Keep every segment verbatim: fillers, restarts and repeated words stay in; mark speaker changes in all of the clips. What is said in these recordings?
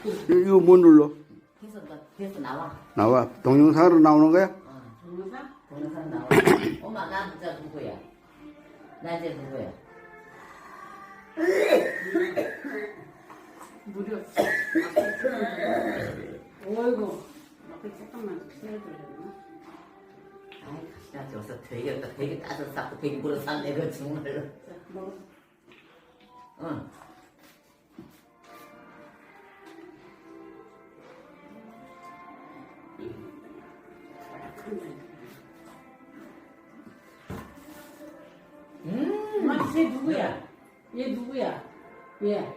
Speaker 1: 이거 뭐 눌러?
Speaker 2: 계속 나 계속 나와.
Speaker 1: 나와. 동영상으로 나오는 거야?
Speaker 2: 어. 동영상? 동영상 나와. 엄마 나 진짜 누구야? 나 이제 누구야?
Speaker 3: 무려. 어이구. 앞에 잠깐만 세워드렸나?
Speaker 2: 아이 가시나 저서 되게 되게 따서 쌓고 되게 물어 샀네 그 정말로.
Speaker 3: 자, 먹어.
Speaker 2: 응. 음.
Speaker 3: 엄마, 쟤 누구야? 얘 누구야? 얘.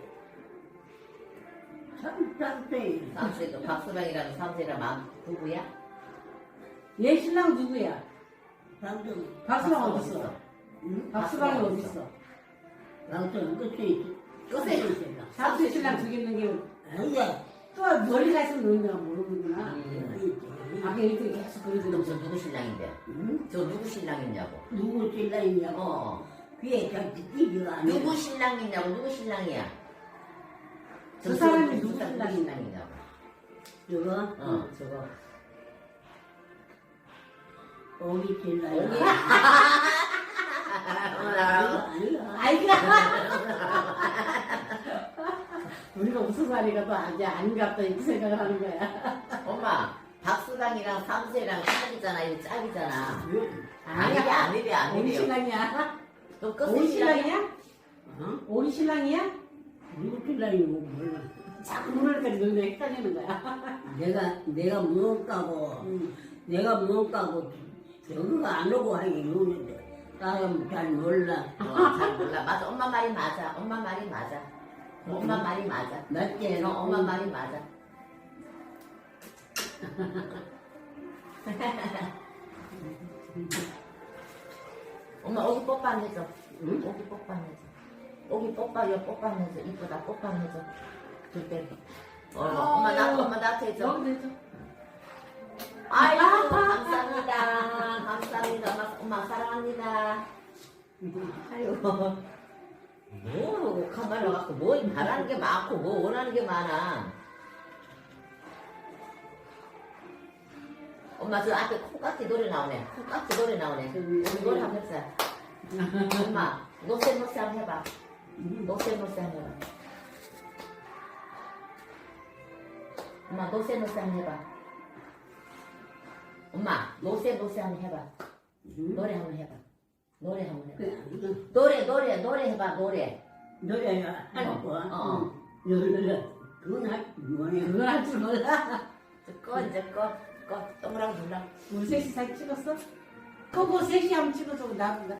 Speaker 3: 삼세.
Speaker 2: 삼세도 박수랑이랑 삼세랑 마 부부야?
Speaker 3: 얘 신랑 누구야?
Speaker 4: 방금
Speaker 3: 박수랑
Speaker 2: 박수랑
Speaker 3: 어딨어?
Speaker 2: 어딨어?
Speaker 3: 응? 박수랑이
Speaker 2: 박수랑
Speaker 3: 어딨어?
Speaker 4: 방금 끝에
Speaker 2: 끝에
Speaker 3: 삼세 신랑 죽이는 게
Speaker 4: 아니야.
Speaker 3: 또 멀리 가서 노는가 모르는구나.
Speaker 2: 음.
Speaker 3: 아까 이렇게 계속
Speaker 2: 그럼
Speaker 3: 그러더니
Speaker 2: 저 누구 신랑인데?
Speaker 4: 응?
Speaker 2: 저 누구 신랑이냐고?
Speaker 4: 누구 신랑이냐고.
Speaker 2: 어.
Speaker 4: 귀에 잡지 띠지가 아니야.
Speaker 2: 누구 신랑이냐고? 누구 신랑이야?
Speaker 3: 그 사람이
Speaker 2: 저
Speaker 3: 누구
Speaker 2: 사람
Speaker 3: 신랑이냐?
Speaker 2: 신랑이냐고?
Speaker 4: 저거
Speaker 2: 어, 저거.
Speaker 4: 오기 신랑이.
Speaker 2: 오기?
Speaker 4: 아니야.
Speaker 3: 아이가 우리가 웃어서 하니까 또 아직 안 갔다 이렇게 생각을 하는 거야.
Speaker 2: 엄마, 박수랑이랑 삼세랑 짝이잖아. 이거 짝이잖아.
Speaker 3: 아니야.
Speaker 2: 아니래, 아니래,
Speaker 3: 오리
Speaker 2: 아니래.
Speaker 3: 신랑이야?
Speaker 2: 너 끝에
Speaker 3: 오리
Speaker 2: 신랑이야?
Speaker 3: 신랑이야?
Speaker 4: 어?
Speaker 3: 오리 신랑이야?
Speaker 4: 누구 신랑이고 몰라.
Speaker 3: 자꾸 그러니까 너네 헷갈리는 거야.
Speaker 4: 내가 내가 무엇가고
Speaker 3: 응.
Speaker 4: 내가 무엇가고 저거가 안 오고 하기 오는데 나는 잘 몰라.
Speaker 2: 어, 잘 몰라. 맞아. 엄마 말이 맞아. 엄마 말이 맞아. 엄마 말이 맞아.
Speaker 4: 맞지?
Speaker 2: 어, 엄마 말이 맞아. 엄마 오기 뽀뽀 안 해줘.
Speaker 4: 응?
Speaker 2: 오기 뽀뽀 안 해줘. 오기 뽀뽀, 여 뽀뽀 안 해줘. 이쁘다 뽀뽀 안 해줘. 줄게. 어, 엄마 나 엄마 나한테 해줘.
Speaker 3: 여기 내줘.
Speaker 2: 아이고 감사합니다. 감사합니다. 엄마, 엄마 사랑합니다. 아이고 뭐 카메라 갖고 뭐 바라는 게 많고 뭐 원하는 게 많아. 엄마 저 앞에 콩깍지 노래 나오네. 콩깍지 노래 나오네. 우리 노래 한번 해보자. 엄마 노세 노세 한번 해봐. 노세 노세 한번 해봐. 엄마 노세 노세 한번 해봐. 엄마 노세 노세 한번 해봐. 노래 한번 해봐. 노래 한번 해봐.
Speaker 4: 그,
Speaker 2: 노래 노래 노래 해봐 노래.
Speaker 4: 노래가 할
Speaker 2: 어,
Speaker 4: 거야.
Speaker 2: 어.
Speaker 4: 노래 그건 할 뭐냐.
Speaker 3: 그걸 할 줄 몰라.
Speaker 2: 꺼 이제 꺼 꺼 동그라미 눌러.
Speaker 3: 우리 셋이 사진 찍었어? 그거 셋이 한번 찍어줘. 나, 나